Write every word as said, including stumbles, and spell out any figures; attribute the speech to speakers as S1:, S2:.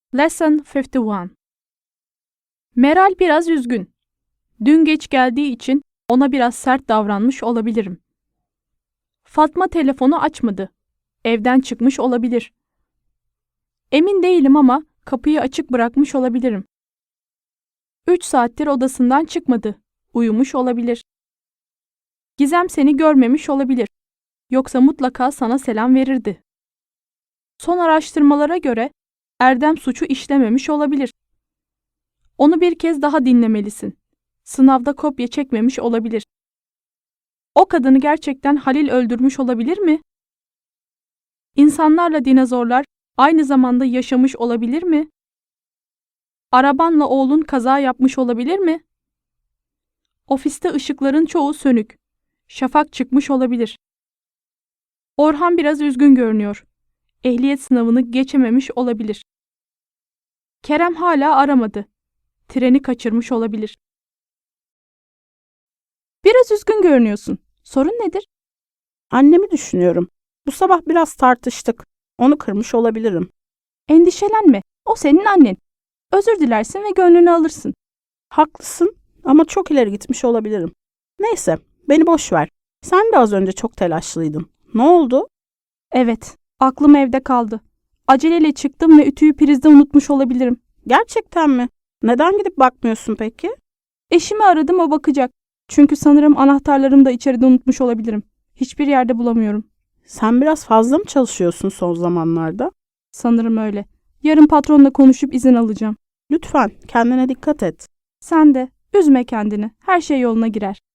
S1: Lesson elli bir. Meral biraz üzgün. Dün geç geldiği için ona biraz sert davranmış olabilirim. Fatma telefonu açmadı. Evden çıkmış olabilir. Emin değilim ama kapıyı açık bırakmış olabilirim. Üç saattir odasından çıkmadı. Uyumuş olabilir. Gizem seni görmemiş olabilir. Yoksa mutlaka sana selam verirdi. Son araştırmalara göre Erdem suçu işlememiş olabilir. Onu bir kez daha dinlemelisin. Sınavda kopya çekmemiş olabilir. O kadını gerçekten Halil öldürmüş olabilir mi? İnsanlarla dinozorlar aynı zamanda yaşamış olabilir mi? Arabanla oğlun kaza yapmış olabilir mi? Ofiste ışıkların çoğu sönük. Şafak çıkmış olabilir. Orhan biraz üzgün görünüyor. Ehliyet sınavını geçememiş olabilir. Kerem hala aramadı. Treni kaçırmış olabilir. Biraz üzgün görünüyorsun. Sorun nedir?
S2: Annemi düşünüyorum. Bu sabah biraz tartıştık. Onu kırmış olabilirim.
S1: Endişelenme. O senin annen. Özür dilersin ve gönlünü alırsın.
S2: Haklısın ama çok ileri gitmiş olabilirim. Neyse, beni boş ver. Sen de az önce çok telaşlıydın. Ne oldu?
S1: Evet, aklım evde kaldı. Aceleyle çıktım ve ütüyü prizde unutmuş olabilirim.
S2: Gerçekten mi? Neden gidip bakmıyorsun peki?
S1: Eşimi aradım, o bakacak. Çünkü sanırım anahtarlarımı da içeride unutmuş olabilirim. Hiçbir yerde bulamıyorum.
S2: Sen biraz fazla mı çalışıyorsun son zamanlarda?
S1: Sanırım öyle. Yarın patronla konuşup izin alacağım.
S2: Lütfen kendine dikkat et.
S1: Sen de üzme kendini. Her şey yoluna girer.